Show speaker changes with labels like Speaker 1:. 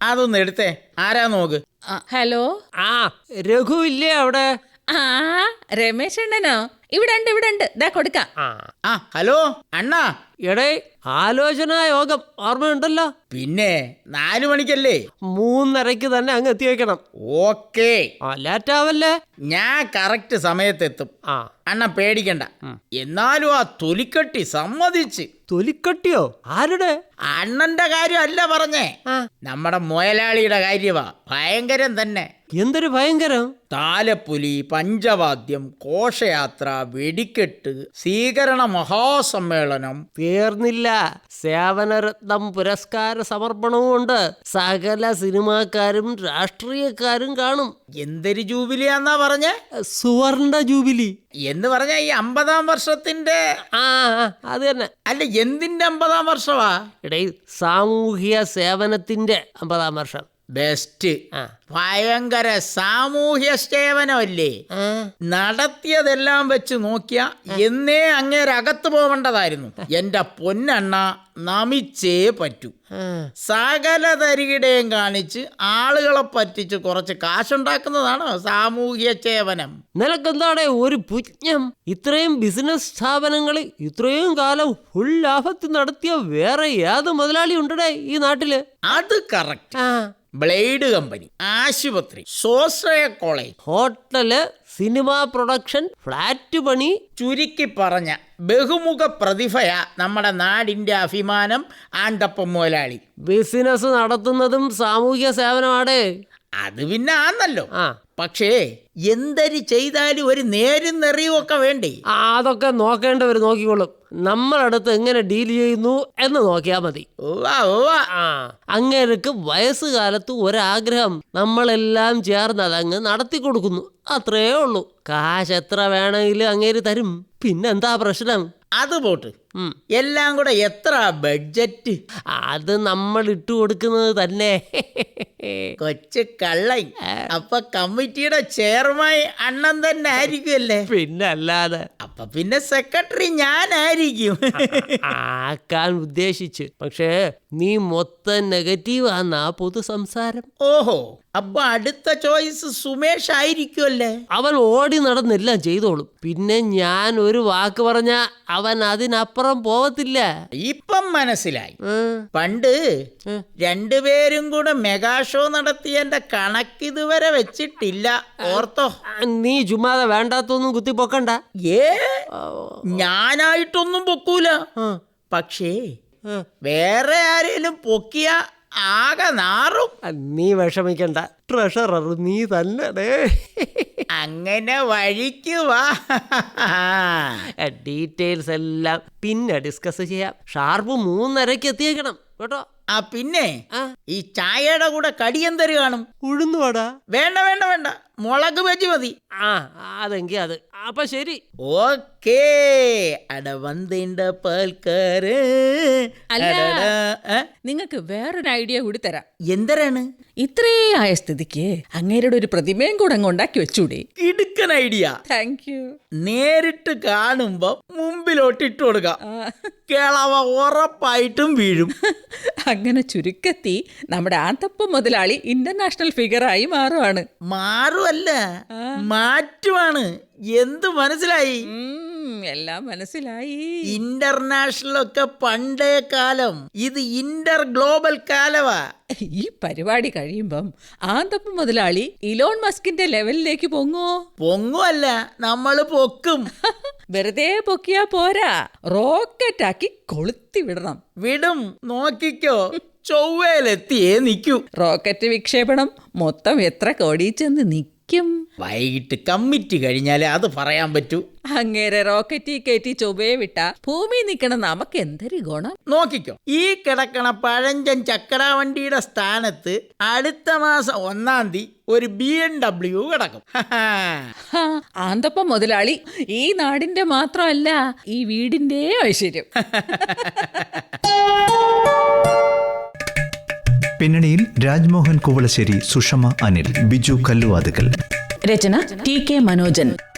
Speaker 1: അതൊന്ന് എടുത്തേ. ആരാ നോക്ക്.
Speaker 2: ഹലോ.
Speaker 3: രഘു ഇല്ലേ അവിടെ?
Speaker 2: രമേശ് അണ്ണനോ? ഇവിടെ ഉണ്ട്. ദാ കൊടുക്കാം.
Speaker 1: ഹലോ അണ്ണാ.
Speaker 3: എടേ, ആലോചനാ യോഗം ഓർമ്മയുണ്ടല്ലോ?
Speaker 1: പിന്നെ 4 മണിക്കല്ലേ?
Speaker 3: 3:30 തന്നെ അങ്ങ് എത്തി വെക്കണം.
Speaker 1: ഓക്കേ.
Speaker 3: ലേറ്റാവല്ലേ?
Speaker 1: ഞാൻ കറക്റ്റ് സമയത്തെത്തും. അണ്ണ പേടിക്കണ്ട. എന്നാലും ആ തൊലിക്കട്ടി സമ്മതിച്ച്.
Speaker 3: തൊലിക്കട്ടിയോ? ആരുടെ?
Speaker 1: അണ്ണന്റെ കാര്യം അല്ല പറഞ്ഞേ, നമ്മുടെ മുതലാളിയുടെ കാര്യമാ. ഭയങ്കരം തന്നെ.
Speaker 3: എന്തൊരു ഭയങ്കരം?
Speaker 1: താലപ്പൊലി, പഞ്ചവാദ്യം, ഘോഷയാത്ര, വെടിക്കെട്ട്, സ്വീകരണ മഹാസമ്മേളനം.
Speaker 3: തീർന്നില്ല. സേവനരത്നം പുരസ്കാര സമർപ്പണവും ഉണ്ട്. സകല സിനിമാക്കാരും രാഷ്ട്രീയക്കാരും കാണും.
Speaker 1: എന്തൊരു ജൂബിലിയാന്നാ പറഞ്ഞേ?
Speaker 3: സുവർണ ജൂബിലി
Speaker 1: എന്ന് പറഞ്ഞ ഈ 50-ാം വർഷത്തിന്റെ.
Speaker 3: അത് തന്നെ.
Speaker 1: അല്ല, എന്തിന്റെ 50-ാം വർഷമാ?
Speaker 3: ഇടയിൽ സാമൂഹ്യ സേവനത്തിന്റെ 50-ാം വർഷം.
Speaker 1: ബെസ്റ്റ്. ഭയങ്കര സാമൂഹ്യ സേവനമല്ലേ നടത്തിയതെല്ലാം വെച്ച് നോക്കിയ എന്നേ അങ്ങേരകത്ത് പോവേണ്ടതായിരുന്നു. എന്റെ പൊന്നണ്ണ, നമിച്ചേ പറ്റൂ. സകല തരികിടയും കാണിച്ച് ആളുകളെ പറ്റിച്ച് കുറച്ച് കാശുണ്ടാക്കുന്നതാണ് സാമൂഹ്യ സേവനം.
Speaker 3: നിനക്കെന്താടെ ഒരു പുജ്ഞം? ഇത്രയും ബിസിനസ് സ്ഥാപനങ്ങൾ ഇത്രയും കാലം ഫുൾ ലാഭത്തിൽ നടത്തിയ വേറെ ഏത് മുതലാളി ഉണ്ടേ ഈ നാട്ടില്?
Speaker 1: അത് കറക്റ്റ്. ബ്ലേഡ് കമ്പനി, ആശുപത്രി, സ്വാശ്രയ college,
Speaker 3: hotel, cinema production, flat പണി.
Speaker 1: ചുരുക്കി പറഞ്ഞ ബഹുമുഖ പ്രതിഭയാ നമ്മുടെ നാടിന്റെ അഭിമാനം ആന്തപ്പം മുതലാളി.
Speaker 3: ബിസിനസ് നടത്തുന്നതും സാമൂഹ്യ സേവനമാടേ.
Speaker 1: അത് പിന്നെ ആന്നല്ലോ. പക്ഷേ എന്തൊരു ചെയ്താലും ഒരു നേരും നെറിയും ഒക്കെ വേണ്ടേ?
Speaker 3: അതൊക്കെ നോക്കേണ്ടവർ നോക്കിക്കോളും. നമ്മളടുത്ത് എങ്ങനെ ഡീൽ ചെയ്യുന്നു എന്ന് നോക്കിയാൽ മതി. അങ്ങേർക്ക് വയസ്സുകാലത്ത് ഒരാഗ്രഹം, നമ്മളെല്ലാം ചേർന്ന് അതങ്ങ് നടത്തി കൊടുക്കുന്നു. അത്രേ ഉള്ളൂ. കാശ് എത്ര വേണമെങ്കിലും അങ്ങേര് തരും. പിന്നെന്താ പ്രശ്നം?
Speaker 1: അത് പോട്ട്, എല്ലാം കൂടെ എത്ര ബഡ്ജറ്റ്?
Speaker 3: അത് നമ്മൾ ഇട്ടു കൊടുക്കുന്നത് തന്നെ.
Speaker 1: കൊച്ചു കള്ളൈ. അപ്പൊ കമ്മിറ്റിയുടെ ചെയർമാൻ അണ്ണൻ തന്നെ ആയിരിക്കുമല്ലേ?
Speaker 3: പിന്നെ അല്ലാതെ.
Speaker 1: അപ്പൊ പിന്നെ സെക്രട്ടറി ഞാനായിരിക്കും.
Speaker 3: ആക്കാൻ ഉദ്ദേശിച്ച്. പക്ഷേ നീ മൊത്തം നെഗറ്റീവ് ആന്നാ പൊതു സംസാരം.
Speaker 1: ഓഹോ, അപ്പൊ അടുത്ത ചോയ്സ് സുമേഷ് ആയിരിക്കുമല്ലേ?
Speaker 3: അവൻ ഓടി നടന്നെല്ലാം ചെയ്തോളും. പിന്നെ ഞാൻ ഒരു വാക്ക് പറഞ്ഞ അവൻ അതിനപ്പുറം പോവത്തില്ല.
Speaker 1: ഇപ്പം മനസ്സിലായി. പണ്ട് 2 പേരും കൂടെ മെഗാ ഷോ നടത്തിയതിന്റെ കണക്കിതുവരെ വെച്ചിട്ടില്ല. ഓർത്തോ?
Speaker 3: നീ ചുമ്മാതെ വേണ്ടാത്തൊന്നും കുത്തിപ്പൊക്കണ്ട.
Speaker 1: ഞാനായിട്ടൊന്നും പൊക്കൂല. പക്ഷേ വേറെ ആരേലും പൊക്കിയ ആകെ നാറും.
Speaker 3: നീ വിഷമിക്കണ്ട. ട്രഷറർ നീ തന്നെ.
Speaker 1: അങ്ങനെ വഴിക്ക് വാ.
Speaker 3: ഡീറ്റെയിൽസ് എല്ലാം പിന്നെ ഡിസ്കസ് ചെയ്യാം. ഷാർപ്പ് 3:30 എത്തിയേക്കണം കേട്ടോ.
Speaker 1: പിന്നെ ഈ ചായയുടെ കൂടെ കടിയെന്തര് കാണും?
Speaker 3: ഉഴുന്നുവാടാ?
Speaker 1: വേണ്ട വേണ്ട വേണ്ട, മുളക് ബജി മതി.
Speaker 3: അതെങ്കിൽ അത്. അപ്പൊ ശരി.
Speaker 1: ഓക്കേ. അട വന്നിണ്ട പാൽക്കാര്.
Speaker 2: നിങ്ങൾക്ക് വേറൊരു ഐഡിയ കൂടി തരാം.
Speaker 1: എന്തരാണ്?
Speaker 2: ഇത്രേ ആയ സ്ഥിതിക്ക് അങ്ങേരുടെ ഒരു പ്രതിമയും കൂടെ അങ്ങ് ഉണ്ടാക്കി വെച്ചൂടെ?
Speaker 1: കിടുക്കൻ ഐഡിയ.
Speaker 2: Thank you.
Speaker 1: നേരിട്ട് കാണുമ്പോ മുമ്പിലോട്ട് ഇട്ട് കൊടുക്കാം. കേളവ ഉറപ്പായിട്ടും വീഴും.
Speaker 2: അങ്ങനെ ചുരുക്കത്തി നമ്മുടെ ആന്തപ്പം മുതലാളി ഇന്റർനാഷണൽ ഫിഗറായി മാറുവാണ്.
Speaker 1: മാറുമല്ല, മാറ്റുവാണ്. എന്ത് മനസ്സിലായി?
Speaker 2: എല്ലാം മനസ്സിലായി.
Speaker 1: ഇന്റർനാഷണൽ ഒക്കെ പണ്ടേ കാലം, ഇത് ഇന്റർ ഗ്ലോബൽ കാലവാ.
Speaker 2: ഈ പരിപാടി കഴിയുമ്പം ആന്തപ്പം മുതലാളി ഇലോൺ മസ്കിന്റെ ലെവലിലേക്ക് പൊങ്ങുവല്ല,
Speaker 1: നമ്മള് പൊക്കും.
Speaker 2: വെറുതെ പൊക്കിയാ പോരാ, റോക്കറ്റാക്കി കൊളുത്തി വിടും.
Speaker 1: നോക്കിക്കോ, ചൊവ്വയിലെത്തിയേ നിൽക്കൂ.
Speaker 2: റോക്കറ്റ് വിക്ഷേപണം മൊത്തം എത്ര കോടി ചെന്ന് നിൽക്കും?
Speaker 1: വൈകിട്ട് കമ്മിറ്റി കഴിഞ്ഞാലേ അത് പറയാൻ പറ്റൂ.
Speaker 2: അങ്ങേരെ റോക്കറ്റിൽ കയറ്റി ചൊവ്വയെ വിട്ട ഭൂമി നിൽക്കണം നമുക്ക് എന്തൊരു ഗുണം.
Speaker 1: നോക്കിക്കോ, ഈ കിടക്കണ പഴഞ്ചൻ ചക്കട വണ്ടിയുടെ സ്ഥാനത്ത് അടുത്ത മാസം 1-ാം തീയതി ഒരു BMW കിടക്കും.
Speaker 2: ആന്തപ്പം മുതലാളി ഈ നാടിന്റെ മാത്രമല്ല, ഈ വീടിന്റെ ഐശ്വര്യം.
Speaker 4: പിന്നണിയിൽ രാജ്മോഹൻ കുവളശ്ശേരി, സുഷമ അനിൽ, ബിജു കല്ലുവാതുക്കൽ.
Speaker 2: രചന TK മനോജൻ.